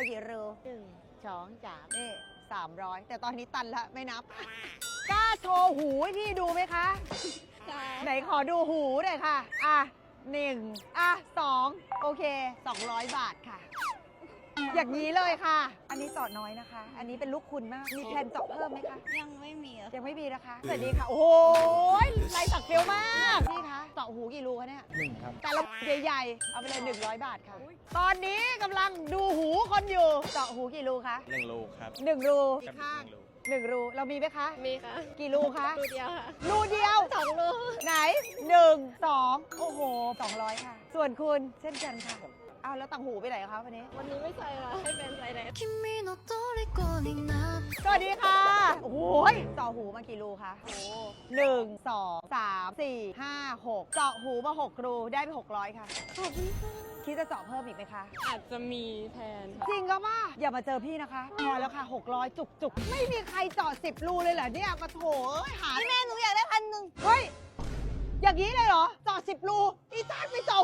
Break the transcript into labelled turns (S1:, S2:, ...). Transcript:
S1: เรากี่รู
S2: 1 2 3
S1: นี่300แต่ตอนนี้ตันละไม่นับ กล้าโชว์หูให้พี่ดูไหมคะ ไหนขอดูหูหน่อยค่ะ อ่ะ1อ่ะ2โอเค200 บาทค่ะ อย่างนี้เลยค่ะ อันนี้เจาะน้อยนะคะ อันนี้เป็นลูกคุณมาก มีแพลนเจาะเพิ่มไหมคะ
S3: ยังไม่มีอะ
S1: ยังไม่มีนะคะ สวัสดีค่ะ โอ้โหลายสักเฟี้ยวมากพี่คะเจาะหูกี่รูคะเนี่ย
S4: 1 ครับ
S1: แต่ละใหญ่ๆ เอาไปเลย 100 บาทค่ะ ตอนนี้กำลังดูหูคนอยู่ เจาะหูกี่รูคะ
S4: 1 รูครับ
S1: 1 รู
S4: กับ1 รู
S1: 1 รู เรามีไหมคะ
S3: มีค่ะ
S1: กี่รูคะ
S3: ดูเดียวค่ะ
S1: รูเดียว
S3: 2 รู
S1: ไหน 1 2 โอ้โห 200 ค่ะ ส่วนคุณเช่นกันค่ะ เอาแล้วต่างหูไปไหนคะวันนี้
S3: วันนี้ไม่ใส่ค่ะ ให้แฟนใส่แทน
S5: 君の虜になって
S1: สวัสดีค่ะ โอ้โหเจาะหูมากี่รูคะ
S3: โอ้
S1: 1 2 3 4 5 6 เจาะหูมา 6 รูได้ไป 600 ค่ะ
S3: ขอบคุณค่ะ
S1: คิดจะเจาะเพิ่มอีกไหมคะ
S3: อาจจะมีแทนค่ะ
S1: จริงก็ป่ะอย่ามาเจอพี่นะคะพอแล้วค่ะ 600 จุกๆ ไม่มีใครเจาะ10 รูเลยเหรอเนี่ยมาโถเอ้ยหาแม่หนูอยากได้1,000เฮ้ย อย่างนี้เลยเหรอเจาะ10 รูอีจ้านไปเจาะ